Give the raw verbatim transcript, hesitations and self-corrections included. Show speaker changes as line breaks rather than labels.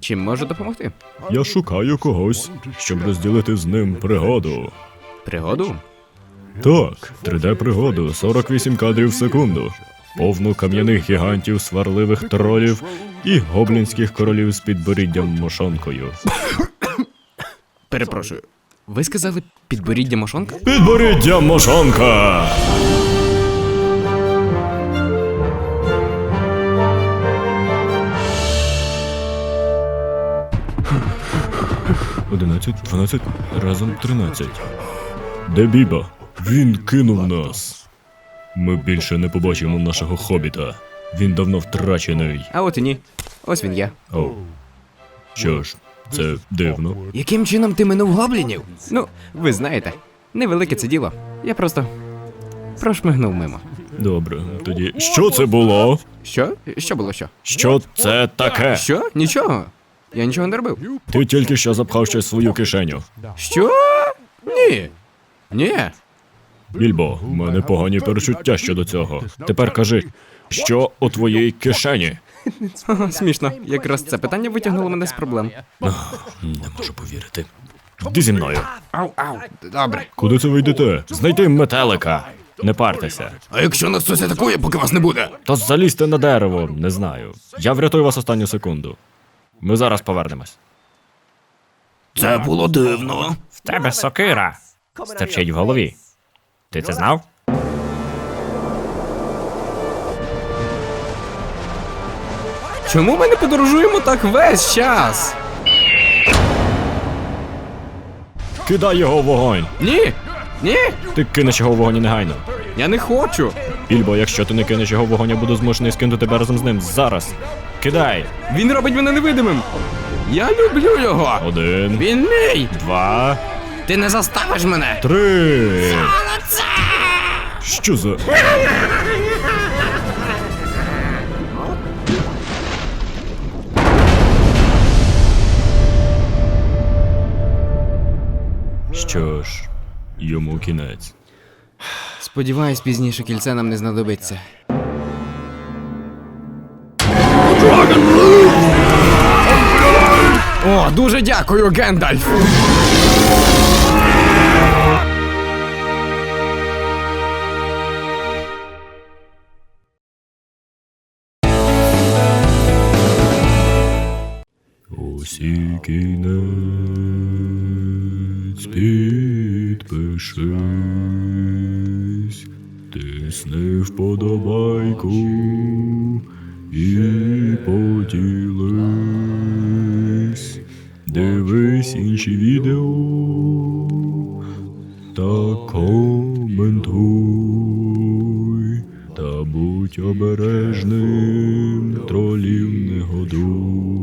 Чим можу допомогти?
Я шукаю когось, щоб розділити з ним пригоду.
Пригоду?
Так, три де-пригоду, сорок вісім кадрів в секунду. Повну кам'яних гігантів, сварливих тролів і гоблінських королів з підборіддям мошонкою.
Перепрошую. Ви сказали підборіддя мошонка?
Підборіддя мошонка! Одинадцять, дванадцять, разом тринадцять. Де Біба? Він кинув нас. Ми більше не побачимо нашого хобіта. Він давно втрачений.
А от і ні. Ось він я.
О. Що ж, це дивно.
Яким чином ти минув гоблінів? Ну, ви знаєте, невелике це діло. Я просто прошмигнув мимо.
Добре, тоді що це було?
Що? Що було що?
Що це таке?
Що? Нічого. Я нічого не робив.
Ти тільки що запхав щось в свою кишеню.
Що? Ні. Ні.
Більбо, в мене погані перечуття щодо цього. Тепер кажи, що у твоїй кишені?
Ага, смішно. Якраз це питання витягнуло мене з проблем.
Не можу повірити. Йди зі мною.
Ау, ау. Добре.
Куди це ви йдете? Знайди метелика. Не партеся.
А якщо нас хтось атакує, поки вас не буде?
То залізьте на дерево, не знаю. Я врятую вас останню секунду. Ми зараз повернемось.
Це було дивно.
В тебе сокира. Стерчить в голові. Ти це знав?
Чому ми не подорожуємо так весь час?
Кидай його в вогонь.
Ні. Ні.
Ти кинеш його в вогонь негайно.
Я не хочу.
Більбо, якщо ти не кинеш його в вогонь, я буду змушений скинути тебе разом з ним. Зараз. Кидай.
Він робить мене невидимим. Я люблю його.
Один,
Він мій.
два,
Ти не заставиш мене.
три. Що за... Що ж, йому кінець.
Сподіваюсь, пізніше кільце нам не знадобиться. О, дуже дякую, Гендальф!
Усі кінець, підпишись, тисни вподобайку і поділись, дивись інші відео та коментуй, та будь обережним, тролів не годуй.